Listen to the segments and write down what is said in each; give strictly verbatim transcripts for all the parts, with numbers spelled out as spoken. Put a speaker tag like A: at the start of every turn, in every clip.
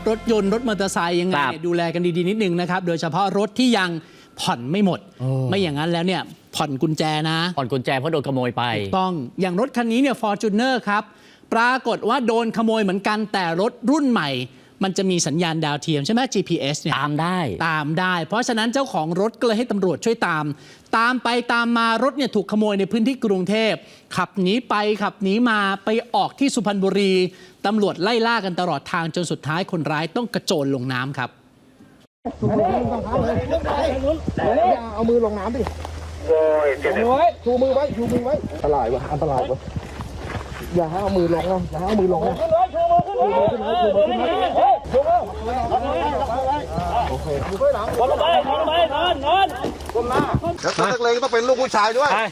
A: รถยนต์รถมอเตอร์ไซค์ยังไงเนี่ยดูแลกันดีๆนิดนึงนะครับโดยเฉพาะรถที่ยังผ่อนไม่หมดไม่อย่างนั้นแล้วเนี่ยผ่อนกุญแจนะ
B: ผ่อนกุญแจเพราะโดนขโมยไป
A: ถูกต้องอย่างรถคันนี้เนี่ย Fortuner ครับปรากฏว่าโดนขโมยเหมือนกันแต่รถรุ่นใหม่มันจะมีสัญญาณดาวเทียมใช่ไหม จี พี เอส เนี่ย
B: ตามได้
A: ตามได้เพราะฉะนั้นเจ้าของรถก็เลยให้ตำรวจช่วยตามตามไปตามมารถเนี่ยถูกขโมยในพื้นที่กรุงเทพขับหนีไปขับหนีมาไปออกที่สุพรรณบุรีตำรวจไล่ล่ากันตลอดทางจนสุดท้ายคนร้ายต้องกระโจนลงน้ำครับ
C: เอามือลงน้ำดิโอ้ยเจ็บเลยชูมือไว้ชูมือไว้อันตรายวะอันตรายวะอย่าให้เอามือลงนะอย่าให้เอามือลงนะชูมือขึ้นเลยชูมือขึ้นเลยชูมือขึ้นเลยชูมือโอเคชูมือหลังนอนไปนอนไปนอนนอนก้มหน้าแล้วตัวนักเลงต้องเป็นลูกผู้ชายด้วยไป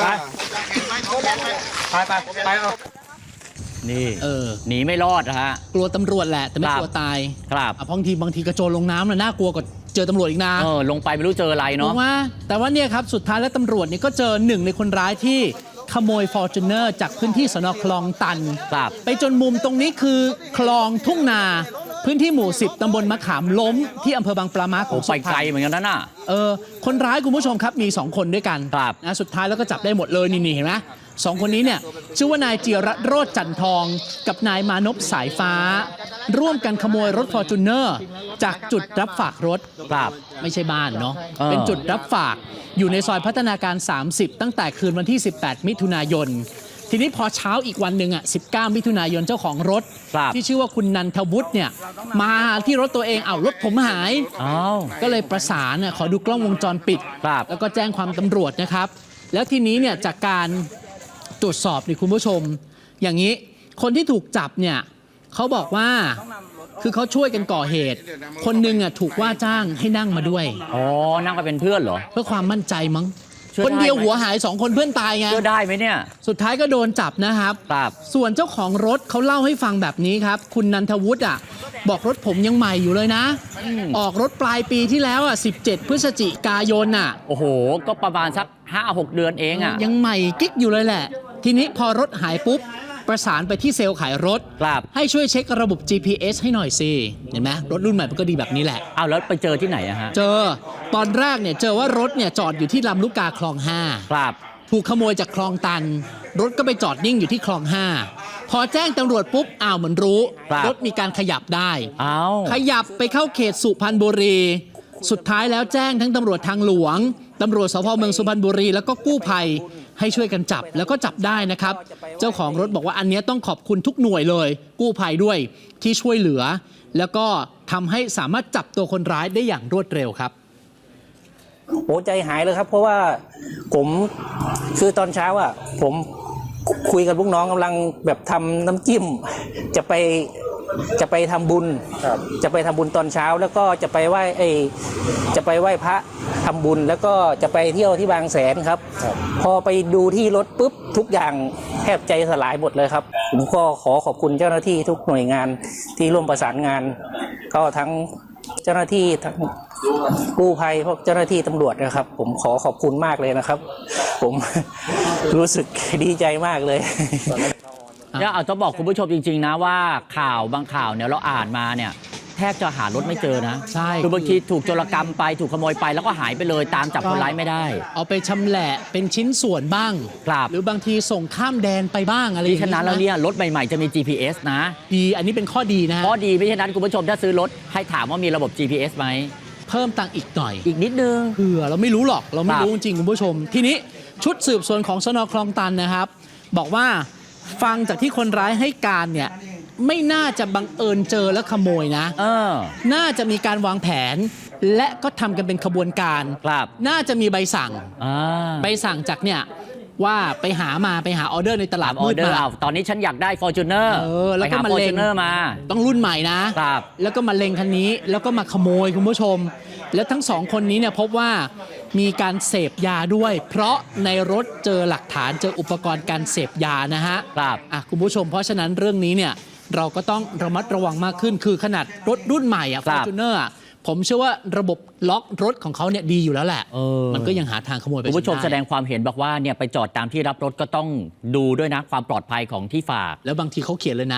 C: ไปไปไปเอา
B: นี่เออหนีไม่รอดนะฮะ
A: กลัวตำรวจแหละแต่ไม่กลัวตาย
B: ครับ
A: บางทีบางทีกระโจนลงน้ำน่ะน่ากลัวกว่าเจอตำรวจอีกนะ
B: เออลงไปไม่รู้เจออะไรเนาะ
A: ว่าแต่ว่าเนี่ยครับสุดท้ายแล้วตำรวจเนี่ยก็เจอหนึ่งในคนร้ายที่ขโมย Fortuner จากพื้นที่สน.คลองตันไปจนมุมตรงนี้คือคลองทุ่งนาพื้นที่หมู่สิบตำบลมะขามล้มที่อำเภอบางปลาม้าของสุพรรณ
B: ไปไกลเหมือนกันนะน่ะ
A: เออคนร้ายคุณผู้ชมครับมีสองคนด้วยกันนะสุดท้ายแล้วก็จับได้หมดเลยนี่ๆเห็นไหมสองคนนี้เนี่ยชื่อว่านายจิรโรจน์จันทองกับนายมานพสายฟ้าร่วมกันขโมยรถ Fortuner จากจุดรับฝากรถไม่ใช่บ้านเนาะเป็นจุดรับฝากอยู่ในซอยพัฒนาการสามสิบตั้งแต่คืนวันที่สิบแปดมิถุนายนทีนี้พอเช้าอีกวันหนึ่งอ่ะสิบเก้ามิถุนายนเจ้าของรถที่ชื่อว่าคุณนันทวุฒิเนี่ยมาที่รถตัวเองเอารถผมหายก็เลยประสานขอดูกล้องวงจรปิดแล้วก็แจ้งความตำรวจนะครับแล้วทีนี้เนี่ยจากการตรวจสอบนี่คุณผู้ชมอย่างนี้คนที่ถูกจับเนี่ยเขาบอกว่าคือเขาช่วยกันก่อเหตุคนหนึ่งอ่ะถูกว่าจ้างให้นั่งมาด้วย
B: อ๋อนั่งไปเป็นเพื่อนเหรอ
A: เพื่อความมั่นใจมั้งคนเดียวหัวหายสองคนเพื่อนตายไง
B: เชื่อได้ไหมเนี่ย
A: สุดท้ายก็โดนจับนะครับส่วนเจ้าของรถเขาเล่าให้ฟังแบบนี้ครับคุณนันทวุฒิอ่ะบอกรถผมยังใหม่อยู่เลยนะออกรถปลายปีที่แล้วอ่ะสิบเจ็ดพฤศจิกายนอ่ะ
B: โอ้โหก็ประมาณสัก ห้าหก เดือนเองอ่ะ
A: ยังใหม่กิ๊กอยู่เลยแหละทีนี้พอรถหายปุ๊บประสานไปที่เซลล์ขายรถให้ช่วยเช็คระบบ จี พี เอส ให้หน่อยสิเห็นไหมรถรุ่นใหม่มันก็ดีแบบนี้แหละ
B: เอาแล้วไปเจอที่ไหนอะฮะ
A: เจอตอนแรกเนี่ยเจอว่ารถเนี่ยจอดอยู่ที่ลำลูกกาคลองห้า
B: ครับ
A: ถูกขโมยจากคลองตันรถก็ไปจอดนิ่งอยู่ที่คลองห้าพอแจ้งตำรวจปุ๊บอ้าวเหมือนรู้รถมีการขยับได้ขยับไปเข้าเขตสุพรรณบุรีสุดท้ายแล้วแจ้งทั้งตำรวจทางหลวงตำรวจสภ.เมืองสุพรรณบุรีแล้วก็กู้ภัยให้ช่วยกันจับแล้วก็จับได้นะครับเจ้าของรถบอกว่าอันนี้ต้องขอบคุณทุกหน่วยเลยกู้ภัยด้วยที่ช่วยเหลือแล้วก็ทำให้สามารถจับตัวคนร้ายได้อย่างรวดเร็วครับ
D: โอ้ใจหายเลยครับเพราะว่าผมคือตอนเช้าอ่ะผมคุยกับลูกน้องกำลังแบบทำน้ำจิ้มจะไปจะไปทำบุญจะไปทำบุญตอนเช้าแล้วก็จะไปไหว้ไอจะไปไหว้พระทำบุญแล้วก็จะไปเที่ยวที่บางแสนครับพอไปดูที่รถปุ๊บทุกอย่างแทบใจสลายหมดเลยครับผมก็ขอขอบคุณเจ้าหน้าที่ทุกหน่วยงานที่ร่วมประสานงานก็ทั้งเจ้าหน้าที่ทั้งกู้ภัยพวกเจ้าหน้าที่ตำรวจนะครับผมขอขอบคุณมากเลยนะครับผมรู้สึกดีใจมากเลย
B: เนี่ยเอาจะบอกคุณผู้ชมจริงๆนะว่าข่าวบางข่าวเนี่ยเราอ่านมาเนี่ยแทบจะหารถไม่เจอนะ
A: ใช่
B: คือบางทีถูกโจรกรรมไปถูกขโมยไปแล้วก็หายไปเลยตามจับคนร้ายไม่ได้
A: เอาไปชำแหละเป็นชิ้นส่วนบ้างหรือบางทีส่งข้ามแดนไปบ้างอะไร
B: ที่ฉะนั้นแล้วเนี่ยรถใหม่ๆจะมี จี พี เอส นะ
A: ดีอันนี้เป็นข้อดีนะ
B: ข้อดีไม่ใช่นั้นคุณผู้ชมถ้าซื้อรถให้ถามว่ามีระบบ จี พี เอส ไหม
A: เพิ่มตังค์อีกหน่อย
B: อีกนิดนึง
A: เผื่อเราไม่รู้หรอกเราไม่รู้จริงคุณผู้ชมทีนี้ชุดสืบสวนของสน.คลองตันนะครับบอกว่าฟังจากที่คนร้ายให้การเนี่ยไม่น่าจะบังเอิญเจอแล้วขโมยนะ
B: เออ
A: น่าจะมีการวางแผนและก็ทำกันเป็นขบวนการน่าจะมีใบสั่งใบสั่งจากเนี่ยว่าไปหามาไปหาออเดอร์ในตลาดมืดมา
B: ตอนนี้ฉันอยากได้ Fortuner
A: เออแล้วก็มาเล็งมาต้องรุ่นใหม่นะแล้วก็มาเล็งคันนี้แล้วก็มาขโมยคุณผู้ชมแล้วทั้งสองคนนี้เนี่ยพบว่ามีการเสพยาด้วยเพราะในรถเจอหลักฐานเจออุปกรณ์การเสพยานะฮะ
B: ครับ
A: อ่ะคุณผู้ชมเพราะฉะนั้นเรื่องนี้เนี่ยเราก็ต้องระมัดระวังมากขึ้นคือขนาดรถรุ่นใหม่อ่ะ Fortuner ผมเชื่อว่าระบบล็อกรถของเขาเนี่ยดีอยู่แล้วแหละมันก็ยังหาทางขโมยไป
B: คุณผู้ชมแสดงความเห็นบอกว่าเนี่ยไปจอดตามที่รับรถก็ต้องดูด้วยนะความปลอดภัยของที่ฝาก
A: แล้วบางทีเขาเขียนเลยนะ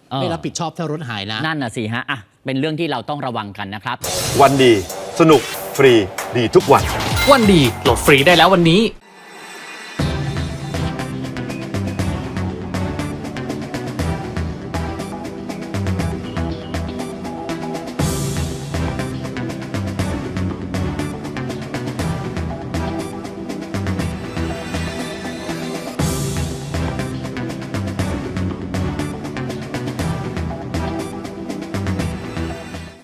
B: เออ
A: ไม่รับผิดชอบถ้ารถหายนะ
B: นั่นน่ะสิฮะอ่ะเป็นเรื่องที่เราต้องระวังกันนะครับ
E: วันดี สนุก ฟรี ดีทุกวัน
F: วันดีโหลดฟรีได้แล้ววันนี้